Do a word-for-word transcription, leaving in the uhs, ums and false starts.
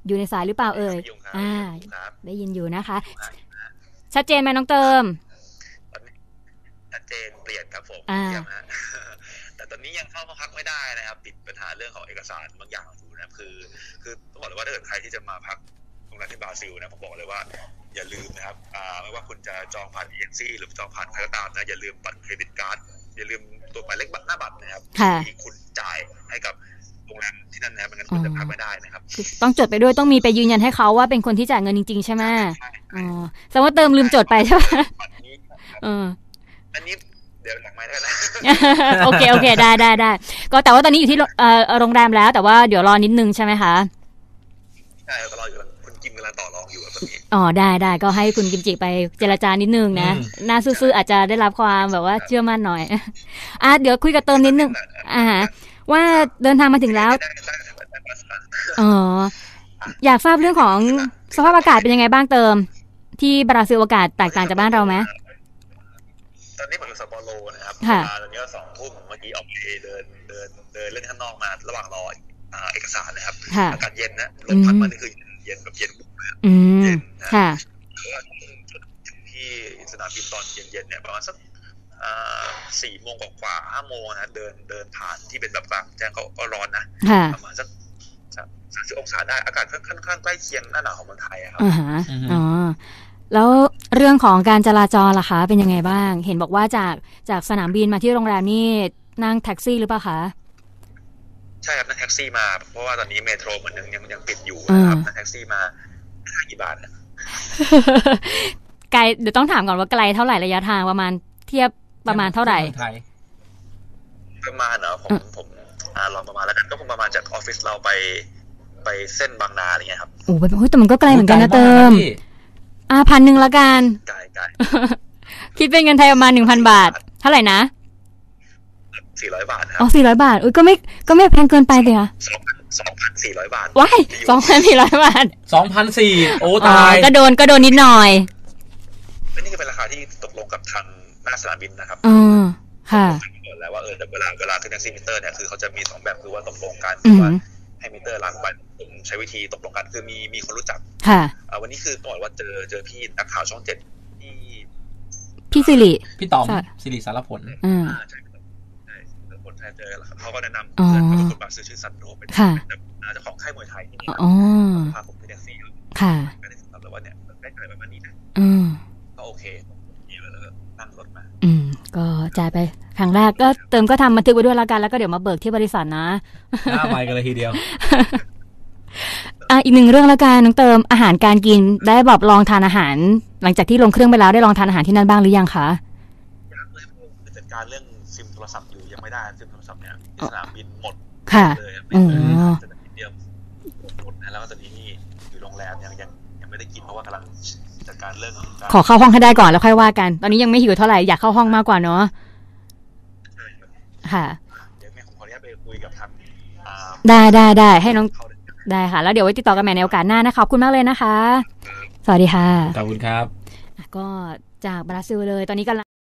อยู่ในสายหรือเปล่าเอ่ยอ่าได้ยินอยู่นะคะชัดเจนไหมน้องเติมชัดเจนเปลี่ยนครับผมอ่าแต่ตอนนี้ยังเข้าพักไม่ได้นะครับติดปัญหาเรื่องของเอกสารบางอย่างอยู่นะคือคือต้องบอกเลยว่าถ้าเกิดใครที่จะมาพักโรงแรมที่บราซิลนะผมบอกเลยว่าอย่าลืมนะครับไม่ว่าคุณจะจองผ่านเอเจนซี่หรือจองผ่านใครก็ตามนะอย่าลืมบัตรเครดิตการ์ดอย่าลืมตัวหมายเลขบัตรหน้าบัตรนะครับที่คุณจ่ายให้กับโรงแรมที่นั่นนะไม่งั้นคุณจะพักไม่ได้นะครับต้องจดไปด้วยต้องมีไปยืนยันให้เขาว่าเป็นคนที่จ่ายเงินจริงๆใช่ไหมอ๋อแสดงว่าเติมลืมจดไปใช่ไหมเอออันนี้เดี๋ยวหลังไมค์แล้วนะโอเคโอเคได้ได้ได้ก็แต่ว่าตอนนี้อยู่ที่โรงแรมแล้วแต่ว่าเดี๋ยวรอนิดนึงใช่ไหมคะใช่ก็รออยู่คุณกิมกำลังต่อรองอยู่แบบนี้อ๋อได้ได้ก็ให้คุณกิมจิไปเจรจานิดนึงนะหน้าซื่อๆอาจจะได้รับความแบบว่าเชื่อมั่นหน่อยอ่ะเดี๋ยวคุยกับเติมนิดนึงอ่าว่าเดินทางมาถึงแล้วอ๋ออยากทราบเรื่องของสภาพอากาศเป็นยังไงบ้างเติมที่บราซิลอากาศแตกต่างจากบ้านเราไหมตอนนี้ผมอยู่ซัปโปโรนะครับตอนนี้ก็สองทุ่มเมื่อกี้ออกไปเดินเดินเดินเล่นข้างนอกมาระหว่างรอเอกสารนะครับอากาศเย็นนะลมพัดมานี่คือเย็นแบบเย็นบุบเลยเย็นนะที่สนามบินตอนเย็นๆเนี่ยประมาณสักสี่โมงกว่าห้าโมงนะเดินเดินผ่านที่เป็นแบบกลางแจ้งก็ร้อนนะประมาณสักสามสิบองศาได้อากาศค่อนข้างใกล้เคียงหน้าหนาวของเมืองไทยครับอ๋อแล้วเรื่องของการจราจรล่ะคะเป็นยังไงบ้างเห็นบอกว่าจากจากสนามบินมาที่โรงแรมนี่นั่งแท็กซี่หรือเปล่าคะใช่ครับนั่งแท็กซี่มาเพราะว่าตอนนี้เมโทรเหมือนยังยังยังปิดอยู่นะครับนั่งแท็กซี่มาค่ากี่บาทนะไกลเดี๋ยวต้องถามก่อนว่าไกลเท่าไหร่ระยะทางประมาณเทียบประมาณเท่าไหร่ประมาณเนาะผมผมอ่าลองประมาณแล้วกันก็คงประมาณจากออฟฟิศเราไปไปเส้นบางนาอะไรเงี้ยครับโอ้โหแต่มันก็ไกลเหมือนกันนะเติมอ่าพันหนึ่งละกันไกลไกลคิดเป็นเงินไทยประมาณหนึ่งพันบาทเท่าไหร่นะสี่ร้อยบาทครับอ๋อสี่ร้อยบาทอุ้ยก็ไม่ก็ไม่แพงเกินไปเลยค่ะสองพันสี่ร้อยบาทว้ายสองพันสี่ร้อยบาทสองพันสี่โอ้ตายก็โดนก็โดนนิดหน่อยนี่คือเป็นราคาที่ตกลงกับทางหน้าสนามบินนะครับอ๋อค่ะแล้วว่าเออเวลาเวลาขึ้นแท็กซี่มิเตอร์เนี่ยคือเขาจะมีสองแบบคือว่าตกลงกันคือว่าให้มิเตอร์ล้างบัตรผมใช้วิธีตกลงกันคือมีมีคนรู้จักค่ะวันนี้คือต้องบอกว่าเจอเจอพี่นักข่าวช่องเจ็ดที่พี่สิริพี่ต๋อมสิริสารผลอ่าใช่ใช่สารผลใช่เจอเขาก็แนะนำเพื่อนเขาเป็นคนบราซิลชื่อซันโดเป็นเจ้าของค่ายมวยไทยที่นี่พาผมไปแท็กซี่ค่ะก็เลยตอบเลยว่าเนี่ยได้จ่ายประมาณนี้นะอืมก็โอเคแล้วก็นั่งรถมาอืมก็จ่ายไปครั้งแรกก็เติมก็ทำบันทึกไว้ด้วยละกันแล้วก็เดี๋ยวมาเบิกที่บริษัทนะหน้าไวกันเลยทีเดียวอ่ะอีกหนึ่งเรื่องละกันน้องเติมอาหารการกินได้แบบลองทานอาหารหลังจากที่ลงเครื่องไปแล้วได้ลองทานอาหารที่นั่นบ้างหรือยังคะยังเลยคือจัดการเรื่องซิมโทรศัพท์อยู่ยังไม่ได้ซิมโทรศัพท์เนี่ยสนามบินหมดค่ะเลยอ๋อสนามบินเดียวหมดนะแล้วก็ตอนนี้นี่อยู่โรงแรมยังยังยังไม่ได้กินเพราะว่ากำลังจัดการเรื่องขอเข้าห้องให้ได้ก่อนแล้วค่อยว่ากันตอนนี้ยังไม่หิวเท่าไหร่อยากเข้าห้องมากกว่าเนาะค่ะเดี๋ยวแม่ผมขออนุญาตไปคุยกับทางได้ได้ได้ให้น้องได้ค่ะแล้วเดี๋ยวไว้ติดต่อกันใหม่ในโอกาสหน้านะขอบคุณมากเลยนะคะสวัสดีค่ะขอบคุณครับก็จากบราซิลเลยตอนนี้กำลัง